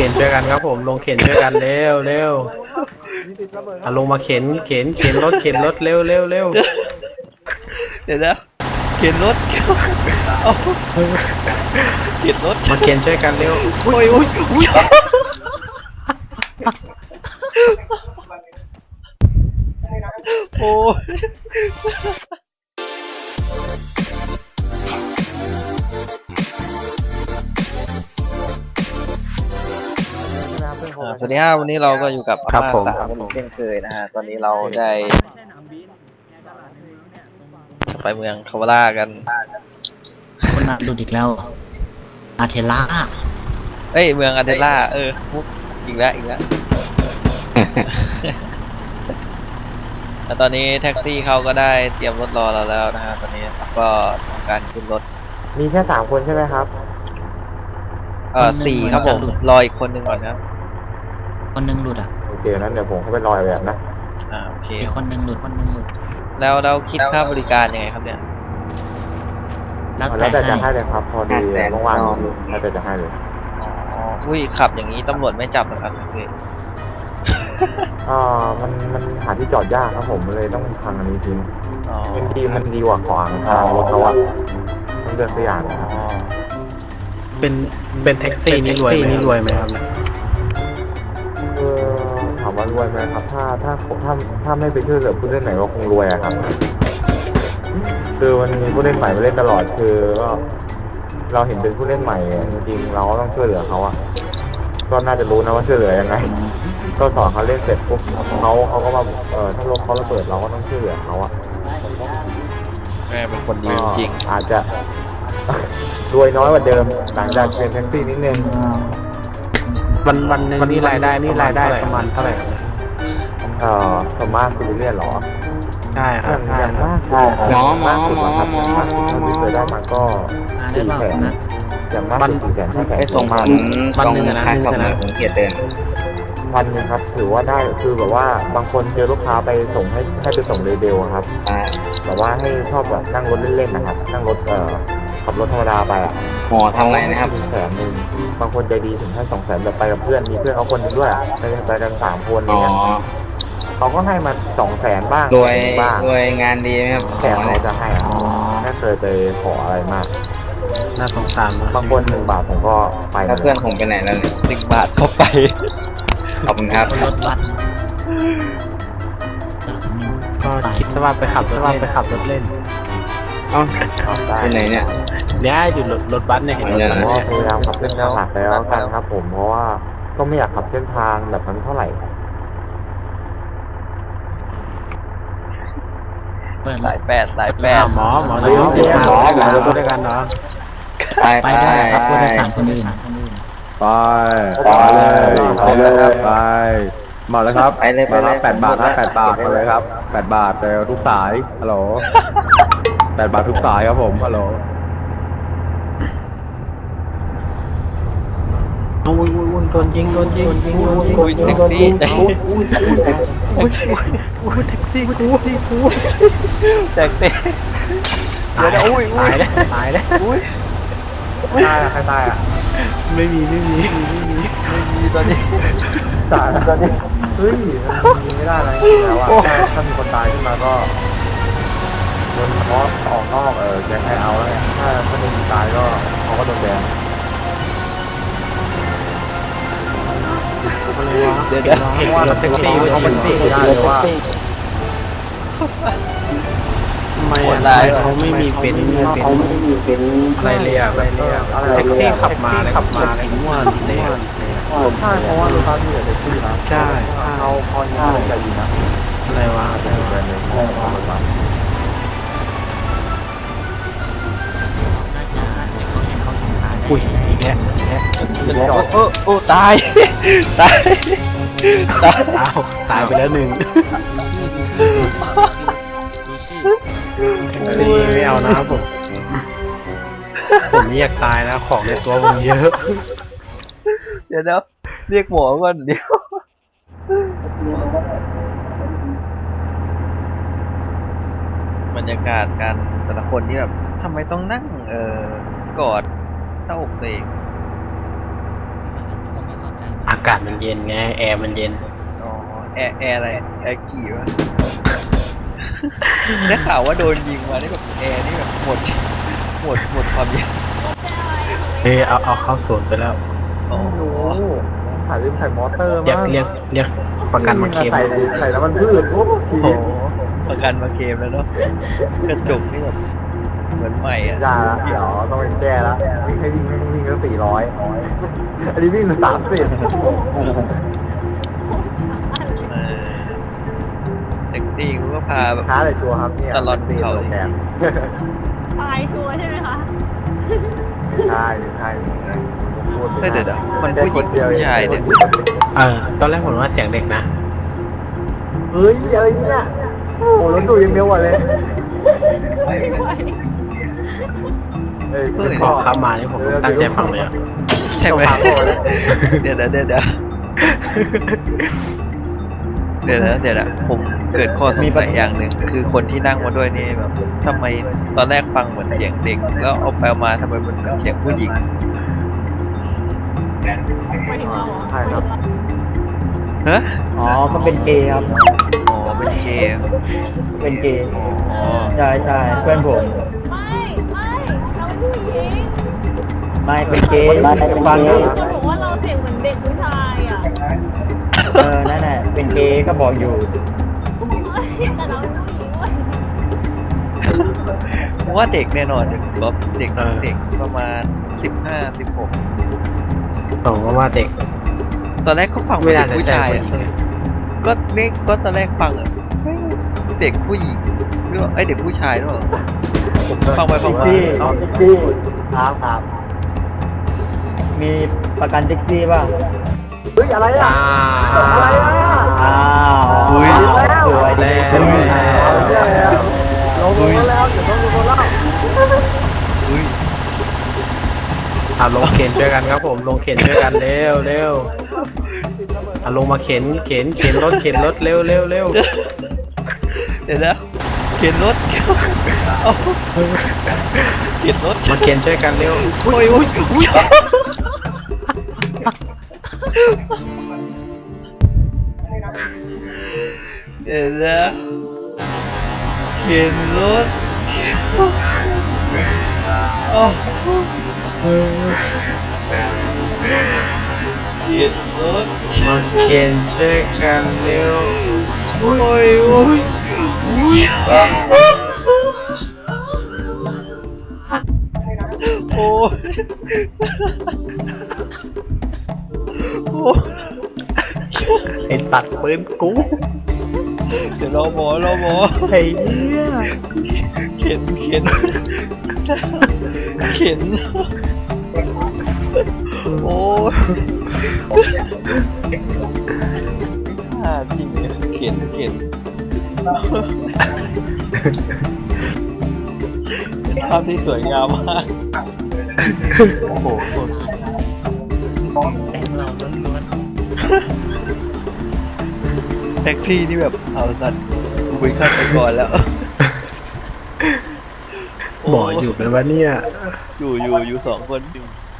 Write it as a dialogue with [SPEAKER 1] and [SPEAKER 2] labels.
[SPEAKER 1] ข็นช่วยกันครับผมลงเข็นช่วยกันเร็วเร็วลงมาเข็นรถเร็วเร็วเร็ว
[SPEAKER 2] เดี๋ยวนะเข็นรถเอาเข็นรถ
[SPEAKER 1] มาเข็นช่วยกันเร็ว
[SPEAKER 2] โอ้ยโอ้ยสวัสดีครับวันนี้เราก็อยู่กับอาม่าสามคนอีกเช่นเคยนะฮะตอนนี้เราได้จะไปเมืองคาวาร่ากัน
[SPEAKER 3] คนน่ะดูดอีกแล้วอาเทล่า
[SPEAKER 2] เอ้ยเมืองอาเทล่ามุกอีกแล้วแล้วตอนนี้แท็กซี่เขาก็ได้เตรียมรถรอเราแล้วนะฮะตอนนี้ก็ทำการขึ้นรถ
[SPEAKER 4] มีแค่3 คนใช่ไหมครับ
[SPEAKER 2] 4ครับผมรออีกคนหนึ่งก่อนครับ
[SPEAKER 3] คนนึงหลุดอ่ะ
[SPEAKER 4] โอเคนั้นเดี๋ยวผมเข้าไปรอแบบนะ
[SPEAKER 2] โอเค
[SPEAKER 3] อีกคนนึงหลุด
[SPEAKER 2] แล้วเราคิดค่าบริการยังไงครับเนี่ย
[SPEAKER 3] แล้ว
[SPEAKER 4] แต่
[SPEAKER 3] แต่
[SPEAKER 4] จะให้เลยครับพอดีว่างๆแล้วแต่จะให้เลย
[SPEAKER 2] อุ้ยขับอย่างนี้ตำรวจไม่จับหรอครับแท็กซี่
[SPEAKER 4] มันหาที่จอดยากครับผมเลยต้องทางอันนี้ทิ้งมันดีกว่าขวางทางรถเขาอะต้องเลือกตัวอย่างนะครับ
[SPEAKER 1] เป็นแท็กซี่นี่รวยไหมครับ
[SPEAKER 4] ถามว่ารวยไหมครับถ้าไม่ไปช่วยเหลือผู้เล่นไหนก็คงรวยอะครับคือมันมีผู้เล่นใหม่มาเล่นตลอดคือก็เราเห็นเป็นผู้เล่นใหม่จริงๆเราก็ต้องช่วยเหลือเขาอะก็น่าจะรู้นะว่าช่วยเหลือยังไงก็สอนเขาเล่นเสร็จปุ๊บเขาก็มาถ้าลมเขาระเบิดเราก็ต้องช่วยเหลือเขาอะ
[SPEAKER 2] แม่เป็นคนดีจริง
[SPEAKER 4] อาจจะรวยน้อยกว่าเดิมหลังจากเป็นแท็กซี่นิดนึง
[SPEAKER 1] วันหนึ่งนี่รายได้ประมาณเท่าไหร่ครับ
[SPEAKER 4] ประมาณคุณเรียนหรอ
[SPEAKER 1] ใช่ครับ
[SPEAKER 4] อย่างมากสุดครับอย่างมากสุดเท่าที่เคยได้มาก็400,000นะอย่างมากสุด400,000
[SPEAKER 5] ไปส่งผม
[SPEAKER 1] วันหนึ่งนะ
[SPEAKER 5] ผมเกียรเดิน
[SPEAKER 4] วันนึงครับถือว่าได้คือแบบว่าบางคนเจอลูกค้าไปส่งให้ไปส่งเรเบลครับแบบว่าให้ชอบแบบนั่งรถเล่นๆนะครับนั่งรถขับรถธรรมดาไป
[SPEAKER 5] ทำไรนะครับ
[SPEAKER 4] 100,000บางคนใจดีถึงให้200,000แบบไปกับเพื่อนมีเพื่อนเขาคนนึงด้วยไปกัน3 คนเนี่ยเขาก็ให้มา200,000บ้าง
[SPEAKER 5] รวยงานดีไหมครับ
[SPEAKER 4] แต่เขาจะให้ไม่เคยไปขออะไรมาก
[SPEAKER 1] น่าสงสาร
[SPEAKER 4] บางคน1 บาทผมก็ไป
[SPEAKER 5] แล้วเพื่อนผมไปไหนแล้วเนี่ย
[SPEAKER 2] 1 บาทก็ไป
[SPEAKER 5] ขอบคุณครับ
[SPEAKER 3] รถบัส
[SPEAKER 1] ก็คิดว่าไปขับรถเล่น
[SPEAKER 5] ไปไหนเนี่ย
[SPEAKER 1] อยู่รถบัสเนี่ยเห็น
[SPEAKER 4] ผมก็พยายามขับเส้นทางหลักแล้วกันครับผมเพราะว่าก็ไม่อยากขับเส้นทางแบบนั้นเท่าไหร่
[SPEAKER 2] สายแปด
[SPEAKER 1] หมอด้วยกันเนาะ
[SPEAKER 3] ไปได้ครับผู้โดยสารคนอื่น
[SPEAKER 4] ไปเลยไปมาแล้วครับมารับ8 บาทนะ8 บาทมาเลยครับ8 บาทแต่ทุกสายฮัลโหล8 บาททุกสายครับผมฮัลโหล
[SPEAKER 1] โดนยิง
[SPEAKER 2] แท็กซี่แท็กซี่
[SPEAKER 1] ตายแล้ว
[SPEAKER 4] ใครตายอ่ะ
[SPEAKER 1] ไม่มี
[SPEAKER 4] ตอนนี้เฮ้ยมันไม่ได้อะไรแล้วอ่ะถ้ามีคนตายขึ้นมาก็โดนเพราะออกนอกแกให้เอาแล้วไงถ้าไม่มีตายก็เขาก็โดนแบน
[SPEAKER 1] เดี๋ยวเห็นรถแท็กซี่
[SPEAKER 4] เขาปฏิเสธไม่ได้เลยว่า
[SPEAKER 1] ทำไมเขาไม่มีเป็นอะไรเลยอ่ะแท็กซี่ขับมาทิ้งวันเลย
[SPEAKER 4] ใช่เพราะว่าลูกค้าที่เหลือแท็กซี่นะ
[SPEAKER 1] ใช่
[SPEAKER 4] เขาพอยังใจดีนะ
[SPEAKER 1] อะไรวะอุ้ยอีกแล้ว
[SPEAKER 2] ตาย
[SPEAKER 1] ไปแล้ว1ไม่เอานะผมไม่อยากตายนะของในตัวผมเยอะ
[SPEAKER 2] เดี๋ยวเรียกหมอก่อนเดี๋ยวบรรยากาศการแต่ละคนที่แบบทำไมต้องนั่งกอดหน้าอกตัวเอง
[SPEAKER 1] าศมันเย็นไงแอร์มันเย็น
[SPEAKER 2] อ๋อแอร์อะไรแอร์กี่วะ ได้ข่าวว่าโดนยิงมาได้แบบแอร์นี่แบบหมดความเย็น
[SPEAKER 1] เอาเข้าศูนย์ไปแล้ว
[SPEAKER 2] อ๋อ
[SPEAKER 4] ถ่ายลืมใส่มอเตอร์
[SPEAKER 1] เรียก
[SPEAKER 4] มั้ง
[SPEAKER 1] เรียกประกันมาเคลม
[SPEAKER 4] ใส่แล้วมันพืชโอ้โห
[SPEAKER 2] โอ้โหประกันมาเคลมแล้วเนาะกระจกนี่แบบเหมือนใหม่อ่ะ
[SPEAKER 4] อย่าละเดี๋ยวต้องไปแก้ละวิ่งให้วิ่งก็400อันนี้วิ่ง30
[SPEAKER 2] เออแท็กซี่กูก็พาแบบ
[SPEAKER 4] ช้าเลยตัวครับเนี่ย
[SPEAKER 2] ตลอดเขา
[SPEAKER 4] แกน
[SPEAKER 6] ตายตัวใช่ไหมคะ
[SPEAKER 4] ใช่พูด
[SPEAKER 2] ไม่เดี๋ยวมันผู้หญิงผู้ชายเนี่ย
[SPEAKER 1] ตอนแรกผมว่าเสียงเด็กนะ
[SPEAKER 4] เฮ้ยอะไรเนี่ยโอ้โหรถดูยังเร็วกว่าเลย
[SPEAKER 6] ไม่ไหว
[SPEAKER 4] เอ้ย
[SPEAKER 1] พอเข้ามานี่ผมตั้งใจฟังเลยอะ
[SPEAKER 2] ใช่ไหม
[SPEAKER 4] ต้องฟังก่อนเลย
[SPEAKER 2] เดี๋ยวนะผมเกิดข้อสงสัยอย่างหนึ่งคือคนที่นั่งมาด้วยนี่แบบทำไมตอนแรกฟังเหมือนเสียงเด็ก แล้วเอาไปเอามาทำไมมันเป็นเสียงผู้หญิง
[SPEAKER 6] ไม่ถึงเราเหรอ
[SPEAKER 4] ใช่ครับ
[SPEAKER 2] ฮะ
[SPEAKER 7] อ๋อ มันเป็นเกย์ครับ
[SPEAKER 2] อ๋อเป็นเกย์
[SPEAKER 7] เป็นเกย์
[SPEAKER 2] อ๋อ
[SPEAKER 7] ใช่ใช่เพื่อนผม
[SPEAKER 6] ไม่เราเป็นผู้หญิง
[SPEAKER 7] ไม่เป็นเกย์ฟังนะ
[SPEAKER 6] จะบอกว่าเราเสียงเหมือนเด็กผู้ชายอ่ะ
[SPEAKER 7] นั่นแหละเป็นเกย์ก็บอกอยู่
[SPEAKER 6] แต่เราเป็นผู้หญิงเว้ย
[SPEAKER 2] ผมว่าเด็กแน่นอนเด็กเด็ก
[SPEAKER 1] เออ
[SPEAKER 2] เด็กประมาณ15-16
[SPEAKER 1] ผมก็ว่าเด็ก
[SPEAKER 2] ตอนแรกก็ฟัง
[SPEAKER 1] ไม่
[SPEAKER 2] เป็น
[SPEAKER 1] น่า
[SPEAKER 2] เด็ก
[SPEAKER 1] จะ
[SPEAKER 2] ผู้
[SPEAKER 1] ใช่
[SPEAKER 2] ชาย
[SPEAKER 1] ผู้
[SPEAKER 2] อ่ะ
[SPEAKER 1] หญิง
[SPEAKER 2] ก็ตอนแรกฟังอ่ะเด็กผู้หญิงหรือว่าไอเด็กผู้ชายด้วยเหรอฟังไปฟังมา
[SPEAKER 7] พี่
[SPEAKER 2] เอ้า
[SPEAKER 7] แท็กซี่ครับ มีประกันแท็กซี่ป่ะ
[SPEAKER 4] เฮ้ยอะไรอ่ะ อะไรอ่ะ
[SPEAKER 7] อ้าว
[SPEAKER 2] อุ้ย
[SPEAKER 7] สวยดี
[SPEAKER 1] แล้ว
[SPEAKER 4] ลงแล้วเดี๋ยวต้องลงแล้ว
[SPEAKER 2] อุ้ย
[SPEAKER 1] ลงเข็นช่วยกันครับผมลงเข็นช่วยกันเร็วลงมาเข็นรถเร็ว
[SPEAKER 2] เดี๋ยวนะเข็นรถเอาเข็นรถ
[SPEAKER 1] มาเข็นช่วยกันเร็ว
[SPEAKER 2] โอ้ยเดี๋ยวนะเข็นรถโอ้เข็นรถ
[SPEAKER 1] มาเข็นช่วยกันเร็ว
[SPEAKER 2] โอ้ยโอ้ย
[SPEAKER 1] ไอ้ตัดปืนกู
[SPEAKER 2] เดี๋ยวรอหมอ
[SPEAKER 1] ไอ้เนี่ย
[SPEAKER 2] เข็นโอ้ยจริงเนี่ยเข็นเป็นภาพที่สวยงามมากโอ้โหแท็กซี่นี่แบบเอาสัตว์กูเป็นฆาตกรแล้ว
[SPEAKER 1] หมออยู่เป็นวะเนี่ย
[SPEAKER 2] อยู่2 คน